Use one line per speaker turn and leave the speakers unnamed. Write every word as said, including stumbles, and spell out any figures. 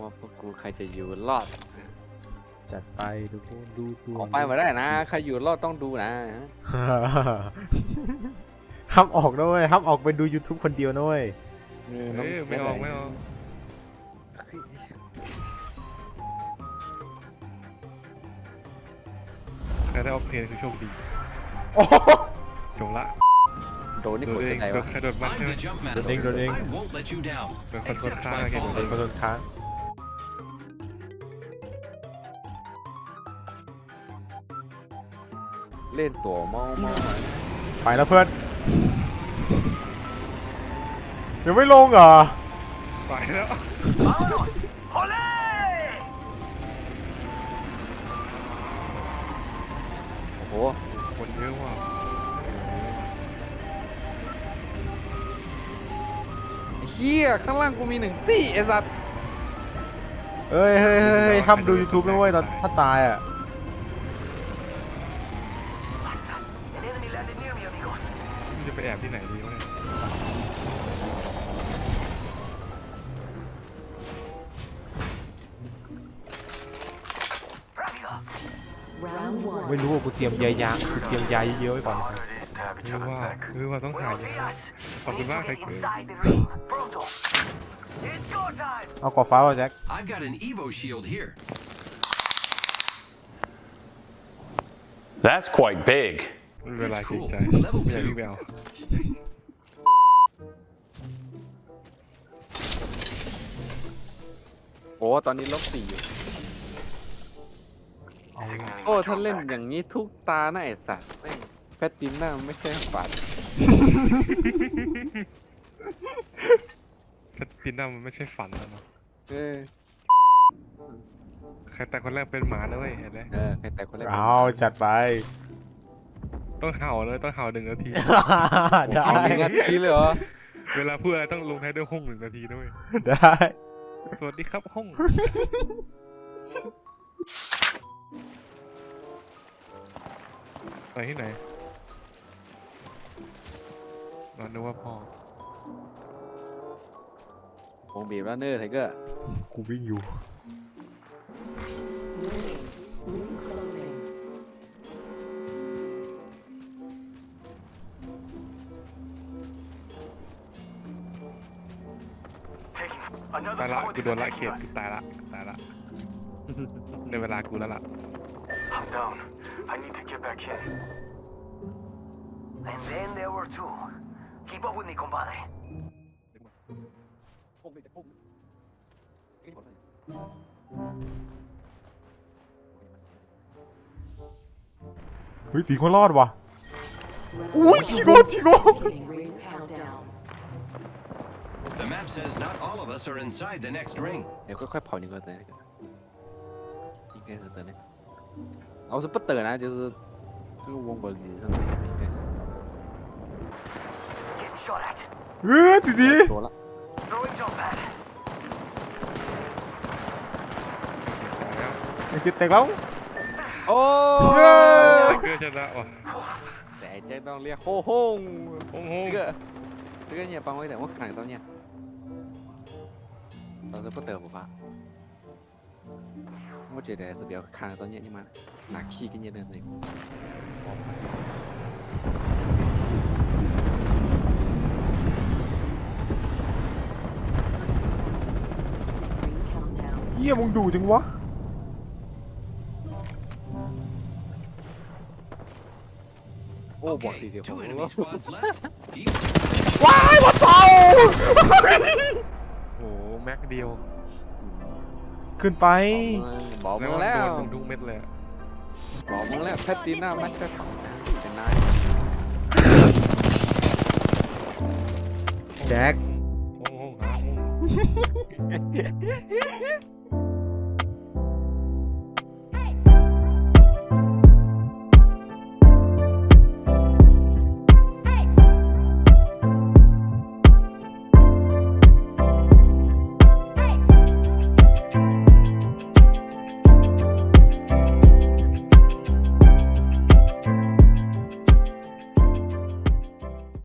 ว่าพวกกูใครจะอยู่รอด
จัดไปดูดูดู
ออกไปมาได้นะใครอยู่รอดต้องดูนะ
ห้ามออกด้วยห้ามออกไปดู YouTube คนเดียวด้วย
ไม่ออกไม่ออกใครได้ออกเพลงคือโชคดีจบละ
โดนนี่กดยังไงวะ
ใครโดนบ้างใช่ไหม
โดนเองโดนเอง
เป็นคนคนค้างเห็น
เป็นคนโดนค้าง
เล่นตัวมอมอ
ไปแล้วเพื่อนยังไม่ลงเหรอ
ไปแล้ว
โอ้โห
คนเยอะว่ะ
เฮียข้างล่างกูมีหนึ่งตีไอ้สัตว์
เฮ้ยเฮ้ยเฮ้ยห้ามดู YouTube นะเว้ยตอนถ้าตายอ่ะ
จะไปแอบที่ไหนดีวะเนี่ย
ไม่รู้ว่ากูเตรียมยายางกูเตรียมยาเยอะๆไว้ก่อน
คือว่าคือว่าต้องหายขอบคุณมากใครเกิด
เอากรอบฟ้าป่ะแจ็ค
I've got an Evo shield here.
That's quite big.
เวลาคิดใจไม่รีบเอา
โอ้ตอนนี้ลบสี่อยู่โอ้ถ้าเล่นอย่างนี้ทุกตาหน้าไอ้สัตว์แม่งแพตตินัมไม่ใช่ฝัน
แพตตินัมมันไม่ใช่ฝันแล้วเนาะ
เออ
ใครแต่คนแรกเป็นหมาด้วยเห็นไหม
เออใครแต่คนแรก
เอาจัดไป
ต้องเห่าเลยต้องเห่าหนึ่งนาที
ได้
หนึ่งนาทีเลยเหรอ
เวลาพูดอะไรต้องลงท้ายด้วยห้องหนึ่งนาทีด้วย
ได้
สวัสดีครับห้องไปที่ไหนนอนนึกว่าพ่อ
วงบีบแล้วเนอร์ไทเกอร์
กูวิ่งอยู่
ตายละกูโดนละเขียดตายละตายละในเวลากูแล้วล่ะ
I'm down. I need to get back in. And then there were two. Keep up with me, compadre.
เฮ้ยทีก็รอดว่ะอุ้ยทีโก้ทีโก้
The map says not all of us are inside the next ring.
เดี๋ยวค่อยๆ跑你个的那个应该是的那个哦是不得呢就是这个王国里上面应该
เออ弟弟
说了
ไอ้คิดแตกแล้ว
โอ้
เกิดชนะว่ะ
แต่เจ๊ต้องเรียกโฮ่ฮง
โฮ่ฮง
这个这个你也帮我一点我看一下你倒是不得不吧我觉得还是不要看着你妈拿 key 给你的那个
เฮียมึงดูจังวะ
โอ้บอกทีเดียว
ว้ายบอลเสา
โอ้แม็กเดียว
ขึ้นไป
บอกมึงแล้ว
มึงทุกเม็ดเลย
บอกมึงแล้วแพตตินัมไม่ใช่ของนะชนะ
แจ็ค
โอ้โห